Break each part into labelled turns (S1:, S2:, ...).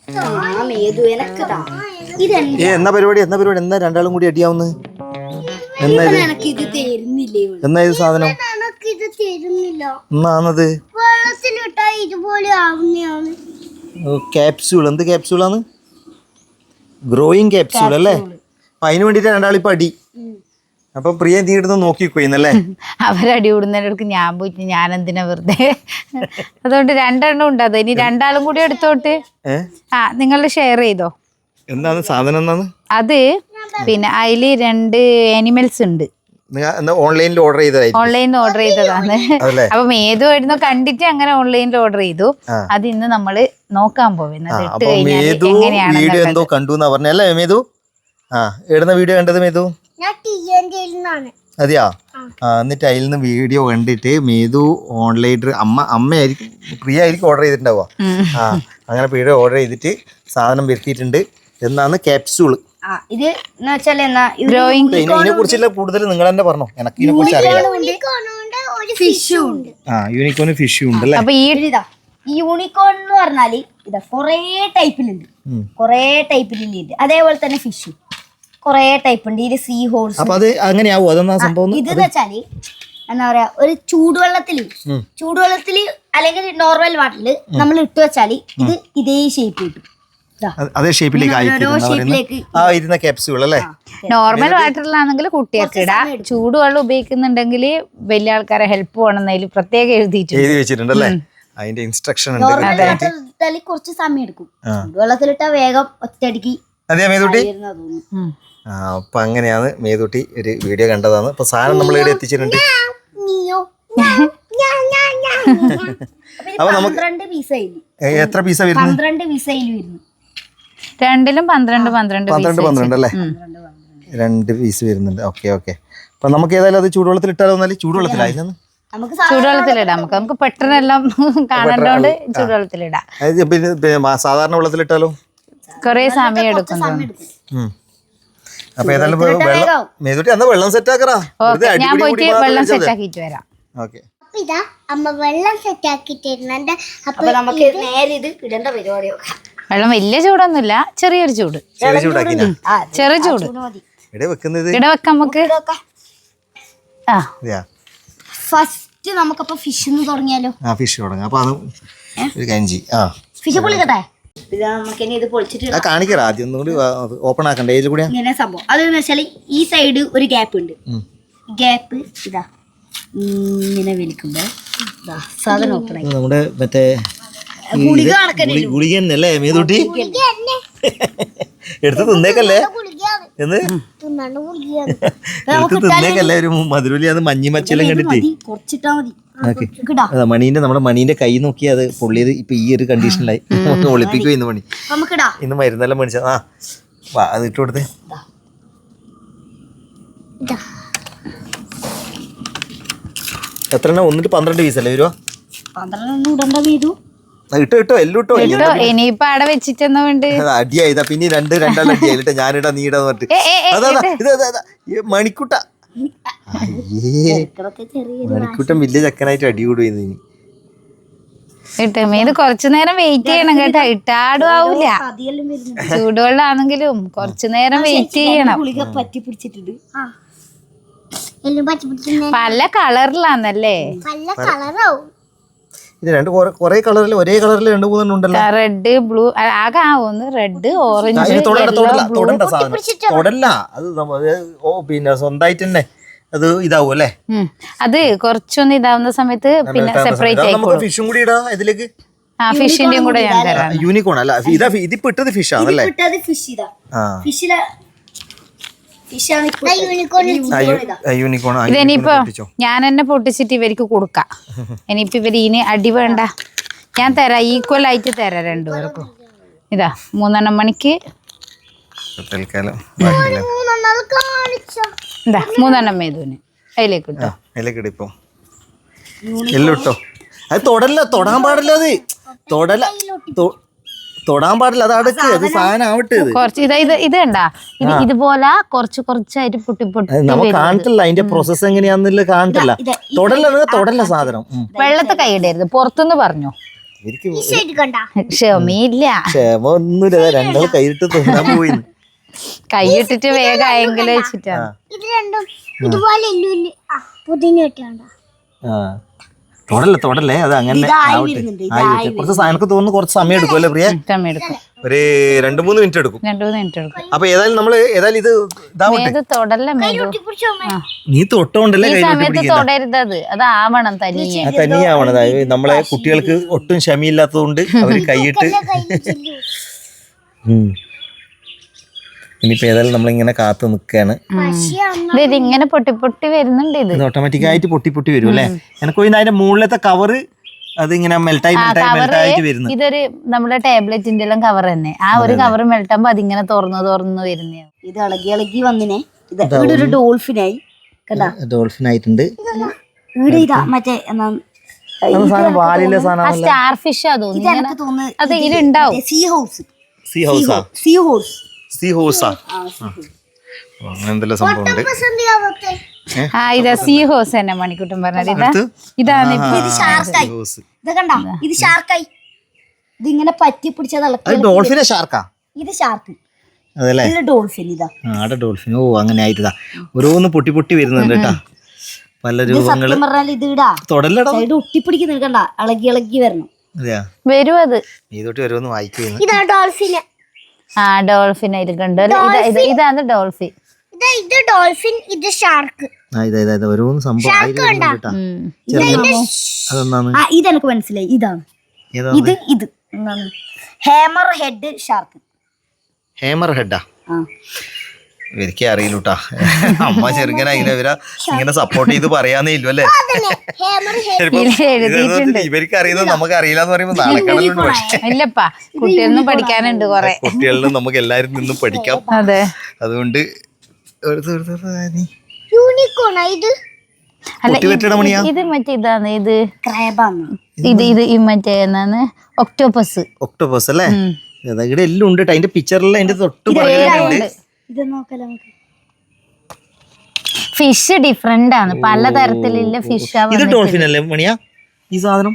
S1: എന്നാ പരിപാടി എന്നാ രണ്ടാളും കൂടി അടിയാവുന്നു? എന്നാ ഇത് സാധനം എന്നാണത്? ക്യാപ്സ്യൂൾ. എന്ത് ക്യാപ്സ്യൂളാണ്? ഗ്രോയിങ് ക്യാപ്സ്യൂൾ അല്ലേ? അതിന് വേണ്ടിട്ട് രണ്ടാളിപ്പോ അടി. അപ്പൊ പ്രിയ നീ ഇടുന്ന് നോക്കിക്കോയിന്നല്ലേ?
S2: അവരടി കൂടുന്നതിനടുക്ക് ഞാൻ പോയിട്ട് ഞാൻ എന്തിനാ വെറുതെ. അതുകൊണ്ട് രണ്ടെണ്ണം ഉണ്ട്. അത് ഇനി രണ്ടാളും കൂടി എടുത്തോട്ട് നിങ്ങൾ ഷെയർ ചെയ്തോ.
S1: എന്താണ് സാധനം? എന്നാണ്
S2: അത്? പിന്നെ അതില് 2 ആനിമൽസ് ഉണ്ട്.
S1: ഓൺലൈനിൽ
S2: ഓർഡർ ചെയ്തതാണ്. അപ്പൊ ഏതോ ആയിരുന്നു കണ്ടിട്ട് അങ്ങനെ ഓൺലൈനിൽ ഓർഡർ ചെയ്തു. അത് ഇന്ന് നമ്മള് നോക്കാൻ പോകുന്നത്. ഇട്ട് കഴിഞ്ഞാൽ
S1: എന്തോ കണ്ടു പറഞ്ഞല്ലേ മേതു? ഇടുന്ന വീഡിയോ കണ്ടത് മേതു? അതെയാ? എന്നിട്ട് അതിൽ നിന്ന് വീഡിയോ കണ്ടിട്ട് മേതു ഓൺലൈൻ അമ്മയായിരിക്കും പ്രിയ ആയിരിക്കും ഓർഡർ ചെയ്തിട്ടുണ്ടാവുക. അങ്ങനെ വീഡിയോ ഓർഡർ ചെയ്തിട്ട് സാധനം വരുത്തിയിട്ടുണ്ട്. എന്നാണ് ക്യാപ്സ്യൂള്. ഇതിനെ കുറിച്ചുള്ള കൂടുതൽ നിങ്ങൾ തന്നെ പറഞ്ഞോ. എനിക്ക് ഇതിനെ കുറിച്ച് അറിയാം. യൂണിക്കോൺ ഫിഷും ഉണ്ട് അല്ലേ?
S3: അപ്പൊ ഈ യൂണിക്കോൺ എന്ന് പറഞ്ഞാല് ഇതാ കൊറേ ടൈപ്പിലുണ്ട്. അതേപോലെ തന്നെ ഫിഷും കൊറേ ടൈപ്പ് ഉണ്ട്. ഇത് സീ ഹോഴ്സ്.
S1: അപ്പൊ അത് അങ്ങനെയാവോ? അതെന്നാ സംഭവം?
S3: ഇത് വെച്ചാല് എന്താ പറയാ, ഒരു ചൂടുവെള്ളത്തില് അല്ലെങ്കിൽ നോർമൽ വാട്ടറില് നമ്മൾ ഇട്ട് വെച്ചാല് ഇത് ഇതേ ഷേപ്പ് കിട്ടും.
S1: അതേ ഷേപ്പിലേക്ക് ഇരുന്ന ക്യാപ്സ്യൂൾ അല്ലേ?
S2: നോർമൽ വാട്ടറിലാണെങ്കിൽ കുട്ടികൾക്ക് ഇടാം. ചൂടുവെള്ളം ഉപയോഗിക്കുന്നുണ്ടെങ്കിൽ വലിയ ആൾക്കാരെ ഹെൽപ്പ് വേണമെന്നതിൽ പ്രത്യേകം എഴുതി
S1: വെച്ചിട്ടുണ്ടല്ലേ? അതിന്റെ ഇൻസ്ട്രക്ഷൻ ഉണ്ട്.
S3: കുറച്ച് സമയം എടുക്കും. ചൂടുവെള്ളത്തിലിട്ട വേഗം ഒറ്റയടിക്ക്.
S1: അതെയാ മേതുട്ടി? അപ്പൊ അങ്ങനെയാണ് മേതുട്ടി ഒരു വീഡിയോ കണ്ടതാണ്. അപ്പൊ സാധനം നമ്മൾ ഇവിടെ എത്തിച്ചിട്ടുണ്ട്. അപ്പൊ നമുക്ക് എത്ര പീസാ വരുന്നത്?
S3: 12 പീസായി വരുന്നു.
S2: രണ്ടിലും 12
S1: അല്ലേ? 2 പീസ് വരുന്നുണ്ട്. ഓക്കെ. അപ്പൊ നമുക്ക് ഏതായാലും അത് ചൂടുവെള്ളത്തിൽ ഇട്ടാലോ? ചൂടുവെള്ളത്തിലായിരുന്നു
S2: ചൂടുവെള്ളത്തിലിടാം. നമുക്ക് പെട്ടെന്നെല്ലാം കാണണ്ടോണ്ട് ചൂടുവെള്ളത്തിലിടാം.
S1: സാധാരണ വെള്ളത്തിലിട്ടാലോ?
S2: കൊറേ സമയം എടുക്കും.
S1: അപ്പൊ ഏതായാലും മേതുട്ടി അന്ന് വെള്ളം സെറ്റ് ആക്കറാ.
S2: ഞാൻ പോയിട്ട് വെള്ളം സെറ്റ് ആക്കിട്ട് വരാം.
S1: ഓക്കെ.
S3: അമ്മ വെള്ളം സെറ്റ് ആക്കി തരുന്നുണ്ട്. അപ്പൊ നമുക്ക് നേരെ ഇത് ഇടേണ്ട പരിപാടിയോ.
S2: വെള്ളം വലിയ ചൂടൊന്നുമില്ല, ചെറിയൊരു ചൂട്. ചെറു ചൂട് ഇവിടെ വെക്കാം നമുക്ക്.
S3: ഫസ്റ്റ് നമുക്കപ്പോ ഫിഷ് തുടങ്ങിയാലോ?
S1: ഫിഷ് തുടങ്ങാം. അപ്പൊ അത് ഒരു കഞ്ചി.
S3: ഫിഷ് പൊളിക്കട്ടെ. ഇത് പൊളിച്ചിട്ട്
S1: കാണിക്കറ. ആദ്യം ഒന്നുകൂടി ഓപ്പൺ ആക്കണ്ടേ? ഇതിൽ കൂടി
S3: ഇങ്ങനെ സംഭവം അതെന്ന് വെച്ചാൽ ഈ സൈഡ് ഒരു ഗ്യാപ്പ് ഉണ്ട്. ഗ്യാപ്പ് ഇതാ ഇങ്ങനെ വലിക്കുമ്പോ സാധനം ഓപ്പൺ ആയി.
S1: നമ്മുടെ മറ്റേ ഗുളിക തന്നെയല്ലേ മേതുട്ടി? എടുത്ത് തിന്നേക്കല്ലേ? തിന്നേക്കല്ലേ? ഒരു മധുരലിയാന്ന് മഞ്ഞി മച്ചെല്ലാം കണ്ടിട്ട് നമ്മുടെ മണീന്റെ കൈ നോക്കി അത് പൊള്ളിയത് ഇപ്പൊ ഈ ഒരു കണ്ടീഷനിലായി. ഒളിപ്പിക്കുക ഇന്ന് മണി. ഇന്ന് മരുന്നെല്ലാം മേടിച്ച അത് ഇട്ട് കൊടുത്തേ. എത്ര 12 പീസല്ലേ വരുവാ?
S3: 12
S1: ഇട്ടോ എല്ലാം ഇട്ടോ.
S2: ഇനിയിപ്പൊ അവിടെ വെച്ചിട്ടെന്നാ വേണ്ട?
S1: അടിയായതാ. പിന്നെ രണ്ടാളും അടിയായിട്ടാ. ഞാനിടാ നീടാന്ന് പറഞ്ഞിട്ട് മണിക്കുട്ട മണിക്കുട്ടൻ വലിയ ചക്കനായിട്ട് അടി കൂടുന്നു. ഇനി
S2: ഇത് കുറച്ചു നേരം വെയിറ്റ് ചെയ്യണം കേട്ടോ. ഇട്ടാടും ആവൂല. ചൂടുവെള്ളാണെങ്കിലും കുറച്ചു നേരം വെയിറ്റ് ചെയ്യണം. പല കളറിലാന്നല്ലേ?
S1: ഇത് കൊറേ കളറിൽ ഒരേ കളറിൽ 2-3 ഉണ്ടല്ലോ.
S2: റെഡ്, ബ്ലൂ ആകെ ആവുന്നു. Red, orange.
S1: തൊടണ്ട സാധനം തൊടല്ല. അത് പിന്നെ സ്വന്തമായിട്ട് തന്നെ അത് ഇതാവും അല്ലേ?
S2: അത് കുറച്ചൊന്ന് ഇതാവുന്ന സമയത്ത് പിന്നെ സെപ്പറേറ്റ് ആയിക്കോളും.
S1: ഫിഷും കൂടി ഇടാ ഇതിലേക്ക്.
S2: ഫിഷിന്റെയും കൂടെ ഞാൻ തരാം.
S1: യൂണിക്കോൺ അല്ല ഇതിപ്പോ ഇട്ടത് ഫിഷ് ആണല്ലേ?
S2: ഇതെനിയിപ്പോ ഞാൻ തന്നെ പൊട്ടിച്ചിട്ട് ഇവർക്ക് കൊടുക്കാം. ഇനിയിപ്പോ ഇവര് ഇനി അടി വേണ്ട, ഞാൻ തരാം. ഈക്വൽ ആയിട്ട് തരാം രണ്ടുപേർക്കും. ഇതാ 3 മണിക്ക് ഇതാ 3 മേതുവിന് അതിലേക്ക് ഇട്ടോ.
S1: ഇപ്പൊ എല്ലാം ഇട്ടോ. അത് തൊടാൻ പാടില്ല. അത് തൊടാൻ പാടില്ല. അത് അടുക്ക്. അത് സാധനം ആവട്ടെ.
S2: കുറച്ച് ഇത് കണ്ടാ ഇതുപോലെ കുറച്ചായിട്ട് പൊട്ടി
S1: നമുക്ക് കാണിട്ടില്ല. അതിന്റെ പ്രോസസ് എങ്ങനെയാന്നില്ല കാണിട്ടില്ല. തൊടല്ല സാധനം.
S2: വെള്ളത്തെ കൈയിടരുത്. പുറത്തുനിന്ന് പറഞ്ഞോ.
S1: ഇവർക്ക്
S2: ക്ഷമയില്ല.
S1: ക്ഷമ ഒന്നുമില്ല, രണ്ടാൾ കൈയിട്ട് തിന്നാൻ പോയിന്ന്.
S2: കൈയിട്ടിട്ട് വേഗം ആയെങ്കിലും വെച്ചിട്ടാണ്.
S3: ഇത് രണ്ടും ഇതുപോലെ പുതിന
S1: തൊടല്ലേ അത് അങ്ങനെ ആവട്ടെ. കുറച്ച് എനിക്ക് തോന്നുന്നു കുറച്ച് സമയം എടുക്കും അല്ലേ പ്രിയ? ഒരു 2-3 മിനിറ്റ് എടുക്കും.
S2: 2-3 മിനിറ്റ് എടുക്കും.
S1: അപ്പൊ ഏതായാലും ഇത് ഇതാവട്ടെ.
S2: തൊടല്ലേ
S1: നീ തൊട്ടോണ്ടല്ലേ
S2: ഈ സമയത്ത് തൊടരുതത്, അത് ആവണം തനിയെ.
S1: തനിയാവണം. അതായത് നമ്മളെ കുട്ടികൾക്ക് ഒട്ടും ക്ഷമയില്ലാത്തതുകൊണ്ട് അവര് കൈയിട്ട് ഇനിയിപ്പോ ഏതായാലും നമ്മളിങ്ങനെ കാത്തു നിൽക്കുകയാണ്.
S2: ഇത് ഇങ്ങനെ പൊട്ടി പൊട്ടി വരുന്നുണ്ട്. ഇത്
S1: ഓട്ടോമാറ്റിക്കായിട്ട് പൊട്ടി പൊട്ടി വരും അല്ലേ? എനിക്ക് അതിന്റെ മുകളിലത്തെ കവറ് അതിങ്ങനെ മെൽട്ടായിട്ട് വരുന്നു.
S2: ഇതൊരു നമ്മുടെ ടാബ്ലറ്റിന്റെ എല്ലാം കവർ തന്നെ. ആ ഒരു കവർ മെൽട്ടാകുമ്പോ അതിങ്ങനെ തുറന്നു വരുന്നേ.
S3: ഇത് ഇളകി വന്നിനെ. ഇവിടെ ഒരു ഡോൾഫിനായി
S1: ഡോൾഫിനായിട്ടുണ്ട്.
S3: ഇവിടെ ഇതാ മറ്റേ
S2: സ്റ്റാർ ഫിഷ് തോന്നുന്നു. അത് ഇതിലുണ്ടാവും.
S3: സീ ഹോഴ്സ്
S1: എന്തെല്ലാം സംഭവമുണ്ട്.
S2: ഇതാ സീ ഹോഴ്സ് തന്നെ മണിക്കുട്ടൻ പറഞ്ഞത്. ഇതാണ്
S3: ഇത് ഷാർക്കായി. ഇത് കണ്ട, ഇത് ഷാർക്കായി. ഇതിങ്ങനെ പറ്റി പിടിച്ചത്
S1: ഡോൾഫിനെ ഷാർക്കാ.
S3: ഇത് ഷാർക്ക്
S1: അതല്ലേ?
S3: ഡോൾഫിൻ. ഇതാ
S1: ഡോൾഫിൻ. ഓ അങ്ങനെ ആയിട്ടാ ഓരോന്ന് പൊട്ടി പൊട്ടി വരുന്നുണ്ട് കേട്ടാ, പല രൂപങ്ങള്. തൊടല്ലടാ,
S3: ഒട്ടിപ്പിടിക്കുന്നുണ്ട് കണ്ട, ഇളകി വരണം.
S2: വരും അത്
S1: ഇതോട്ട് വരുമെന്ന് വായിക്കുന്നു.
S3: ഇതാ ഡോൾഫിന്.
S2: ഡോൾഫിൻ അതിൽ കണ്ടു. ഇതാണ് ഡോൾഫിൻ.
S3: ഇത് ഡോൾഫിൻ, ഇത് ഷാർക്ക്.
S1: ഓരോന്ന് സംഭവം
S3: ഇതെനിക്ക് മനസ്സിലായി. ഇതാണ് ഇത് ഹാമർ ഹെഡ് ഷാർക്ക്.
S1: ഹാമർ ഹെഡാ? ഇവർക്ക് അറിയില്ലൂട്ടാ. അമ്മ ചെറുങ്ങനെ ഇങ്ങനെ സപ്പോർട്ട് ചെയ്ത് പറയാന്നേ ഇല്ലു അല്ലേ? ഇവർക്ക് അറിയുന്നത് നമുക്ക് അറിയില്ല എന്ന് പറയുമ്പോ നാളെക്കടലുണ്ട്. പക്ഷേ
S2: ഇല്ലപ്പാ, കുട്ടികളിലും പഠിക്കാനുണ്ട് കുറെ.
S1: കുട്ടികളിലും നമുക്ക് എല്ലാരും നിന്നും പഠിക്കാം.
S2: അതെ,
S1: അതുകൊണ്ട്
S2: ഇത് മറ്റേ ഇതാണ്. ഇത് ഇത് മറ്റേ എന്നാണ് ഒക്ടോപ്പസ്.
S1: ഒക്ടോപ്പസ് അല്ലേ? ഇവിടെ എല്ലാം ഉണ്ട്. അതിന്റെ പിക്ചറിൽ അതിന്റെ തൊട്ട് പറയുന്നുണ്ട്.
S2: ഫിഷ് ഡിഫറെന്റ് ആണ്, പലതരത്തിലുള്ള ഫിഷ്.
S1: ഇത് ഡോൾഫിൻ അല്ലേ മണിയാ ഈ സാധനം?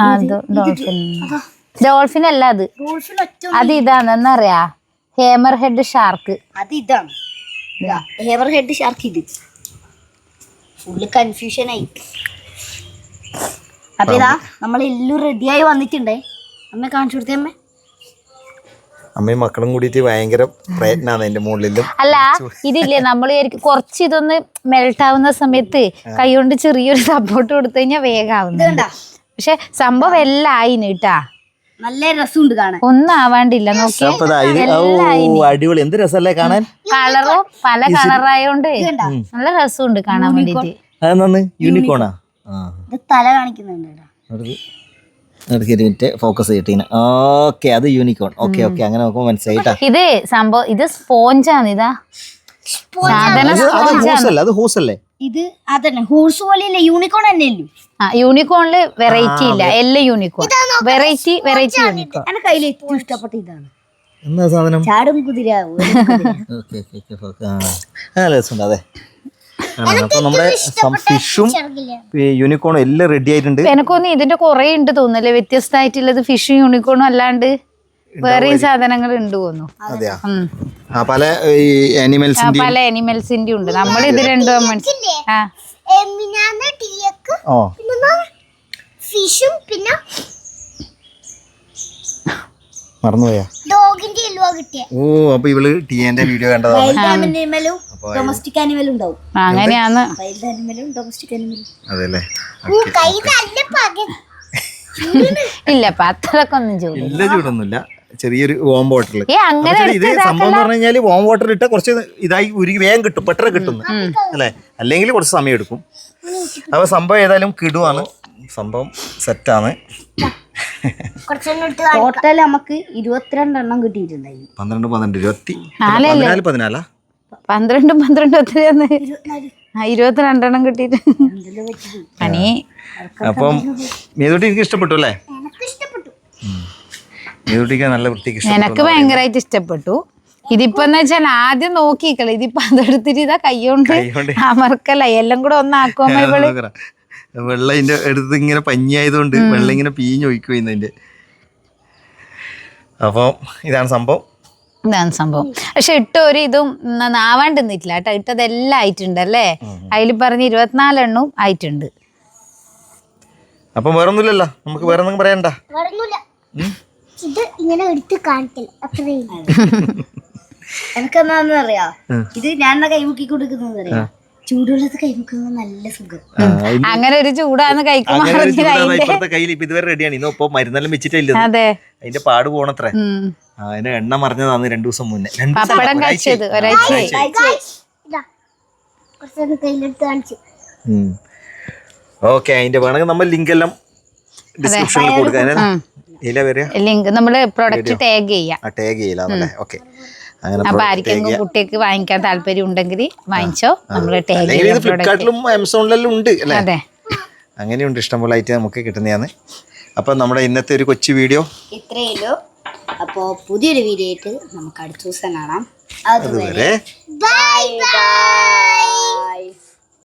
S2: ഡോൾഫിൻ അല്ല അത് ഇതാണ്. എന്നറിയാ, ഹേമർ ഹെഡ് ഷാർക്ക്.
S3: അത് ഇതാണ് ഹേമർ ഹെഡ് ഷാർക്ക്. ഇത് ഫുള്ള് കൺഫ്യൂഷൻ ആയി. അപ്പൊ ഇതാ നമ്മളെല്ലാം റെഡിയായി വന്നിട്ടുണ്ടേ. അമ്മ കാണിച്ചു കൊടുത്തേ.
S1: അമ്മയും മക്കളും കൂടിയിട്ട് ഭയങ്കര പ്രയത്നാണ് അതിന്റെ മുകളിലും.
S2: അല്ല, ഇതില്ലേ നമ്മൾ കുറച്ച് ഇതൊന്ന് മെൽട്ട് ആവുന്ന സമയത്ത് കൈകൊണ്ട് ചെറിയൊരു സപ്പോർട്ട് കൊടുത്തു കഴിഞ്ഞാൽ വേഗാവുന്നുണ്ട്. പക്ഷെ സംഭവം എല്ലാം ആയിന് കേട്ടാ,
S3: നല്ല രസമുണ്ട് കാണാൻ.
S2: ഒന്നും ആവാണ്ടില്ല.
S1: അടിപൊളി, എന്ത് രസമല്ലേ കാണാൻ.
S2: കളറും പല കളറായോണ്ട് നല്ല രസമുണ്ട് കാണാൻ വേണ്ടിട്ട്.
S1: യൂണിക്കോണാ?
S3: തല കാണിക്കുന്നുണ്ട്.
S1: ഫോക്കസ് ചെയ്തിട്ട് ഓക്കെ, അത് യൂണിക്കോൺ. ഓക്കെ ഓക്കെ, അങ്ങനെ നോക്കുമ്പോ മനസ്സിലായിട്ടാ.
S2: ഇത് സംഭവം ഇത് സ്പോഞ്ചാണ്. ഇതാ
S1: അത് ഹോസ് അല്ലേ?
S3: ഇത് അതന്നെ ഹോഴ്സ് പോലെയല്ലേ, യൂണിക്കോൺ തന്നെ.
S2: യൂണിക്കോണില് വെറൈറ്റി ഇല്ല, എല്ലാം യൂണിക്കോൺ. Variety unicorn.
S3: എന്റെ കയ്യിൽ ഏറ്റവും ഇഷ്ടപ്പെട്ട ഇതാണ്.
S1: എന്താ സാധനം?
S3: ചാടും കുതിര.
S1: അതെ. അപ്പൊ നമ്മുടെ ഫിഷും യൂണിക്കോണും എല്ലാം റെഡി ആയിട്ടുണ്ട്.
S2: എനക്കൊന്നും ഇതിന്റെ കുറെ ഉണ്ട് തോന്നുന്നല്ലേ, വ്യത്യസ്തമായിട്ടുള്ളത്. ഫിഷും യൂണിക്കോണും അല്ലാണ്ട് വേറെയും സാധനങ്ങൾ ഉണ്ട് തോന്നുന്നു.
S1: പല
S2: ആനിമൽസിന്റെ ഉണ്ട്. നമ്മൾ ഇത് രണ്ടും
S3: ഫിഷും പിന്നെ
S1: മറന്നുപോയാ
S3: ഡോഗിന്റെ എല്ലുവ കിട്ടിയ.
S1: ഓ, അപ്പൊ ഇവള് ടിയന്റെ വീഡിയോ കണ്ടതാണ്.
S3: ഡൊമസ്റ്റിക് ആനിമലും ഉണ്ടാവും.
S2: അങ്ങനെയാണ്.
S1: അതെല്ലേ?
S2: ഇല്ലപ്പ അത്രക്കൊന്നും
S1: ഇല്ല, ചൂടൊന്നുമില്ല. ചെറിയൊരു വാം വാട്ടറിൽ ഇത് സംഭവം എന്ന് പറഞ്ഞു കഴിഞ്ഞാല് വാം വാട്ടർ ഇട്ട കുറച്ച് ഇതായി ഉരുകി വേഗം കിട്ടും, പെട്ടെന്ന് കിട്ടുന്നു അല്ലേ? അല്ലെങ്കിൽ കുറച്ച് സമയം എടുക്കും. അപ്പൊ സംഭവം ഏതായാലും കിടുവാണ്, സംഭവം സെറ്റാണ്.
S3: ടോട്ടൽ നമുക്ക് 22 എണ്ണം കിട്ടിയിട്ടുണ്ടായി.
S1: 12 12 14 14
S2: 22 എണ്ണം കിട്ടിയിട്ട്.
S1: അപ്പം മേതൂട്ടി എനിക്ക് ഇഷ്ടപ്പെട്ടു അല്ലേ? മേതൂട്ടിക്ക് നല്ല വൃത്തിക്ക് ഇഷ്ടപ്പെട്ടു.
S2: എനിക്ക് ഭയങ്കരമായിട്ട് ഇഷ്ടപ്പെട്ടു. ഇതിപ്പോ എന്ന് വെച്ചാൽ ആദ്യം നോക്കിക്കളെ, ഇതിപ്പോ അതെടുത്തിട്ട് ഇതാ കൈ കൊണ്ട് അമർക്കല്ല, എല്ലാം കൂടെ ഒന്നാക്കുമ്പോ ഇവള്
S1: വെള്ളം ഇതിന്റെ അടുത്ത് ഇങ്ങനെ പഞ്ഞിയായതുകൊണ്ട് വെള്ളം ഇങ്ങനെ പിഴിഞ്ഞൊഴിക്കും ഇതിന്റെ. അപ്പം ഇതാണ് സംഭവം.
S2: ഇതാണ് സംഭവം. പക്ഷെ ഇട്ടൊരു ഇതും ആവാണ്ട് നിന്നിട്ടില്ല കേട്ടോ. ഇട്ടതെല്ലാം ആയിട്ടുണ്ട് അല്ലേ? അതിൽ പറഞ്ഞ് 24 എണ്ണവും ആയിട്ടുണ്ട്.
S1: അപ്പം വേറൊന്നുമില്ലല്ലോ, നമുക്ക് വേറെ ഒന്നും പറയണ്ട.
S3: ഇത് ഇങ്ങനെ എടുത്ത് കാണിക്കില്ല അത്രയും. എനിക്കെന്നാന്ന് അറിയാ, ഇത് ഞാൻ കൈമുക്കി കൊടുക്കുന്നത് അറിയാം, ചൂടുവെള്ളത്ത് കൈമുക്കുന്നത് നല്ല സുഖം.
S2: അങ്ങനെ ഒരു ചൂടാന്ന് കഴിക്കുമ്പോൾ
S1: ഇപ്പഴത്തെ കയ്യിൽ ഇപ്പൊ ഇതുവരെ റെഡിയാണ്. ഇന്നൊപ്പം മരുന്നെല്ലാം വെച്ചിട്ടില്ല, അതിന്റെ പാട് പോണത്രേ. അതിന്റെ എണ്ണ മറിഞ്ഞതാണ് 2 ദിവസം മുന്നേ.
S2: പപ്പടം കഴിച്ചത് ഒരാഴ്ച.
S1: ഓക്കെ, അതിന്റെ വേണമെങ്കിൽ നമ്മൾ ലിങ്ക് എല്ലാം ഡിസ്ക്രിപ്ഷനിൽ കൊടുക്കാം.
S2: ലിങ്ക് നമ്മള് പ്രൊഡക്റ്റ് ടാഗ് ചെയ്യാം.
S1: ഓക്കെ, അങ്ങനെ
S2: അപ്പൊ ആർക്കെങ്കിലും കുട്ടിക്ക് വാങ്ങിക്കാൻ താല്പര്യം ഉണ്ടെങ്കിൽ വാങ്ങിച്ചോ. നമ്മള് ടാഗ്
S1: ഫ്ലിപ്കാർട്ടിലും ആമസോണിലെല്ലാം ഉണ്ട് അല്ലേ? അങ്ങനെയുണ്ട്, ഇഷ്ടംപോലെ ഐറ്റം നമുക്ക് കിട്ടുന്നതാണ്. അപ്പൊ നമ്മുടെ ഇന്നത്തെ ഒരു കൊച്ചു വീഡിയോ
S3: ഇത്രയല്ലോ. അപ്പോ പുതിയൊരു വീഡിയോ ആയിട്ട് നമുക്ക് അടുത്ത ദിവസം കാണാം. അതുവരെ ബൈ ബൈ.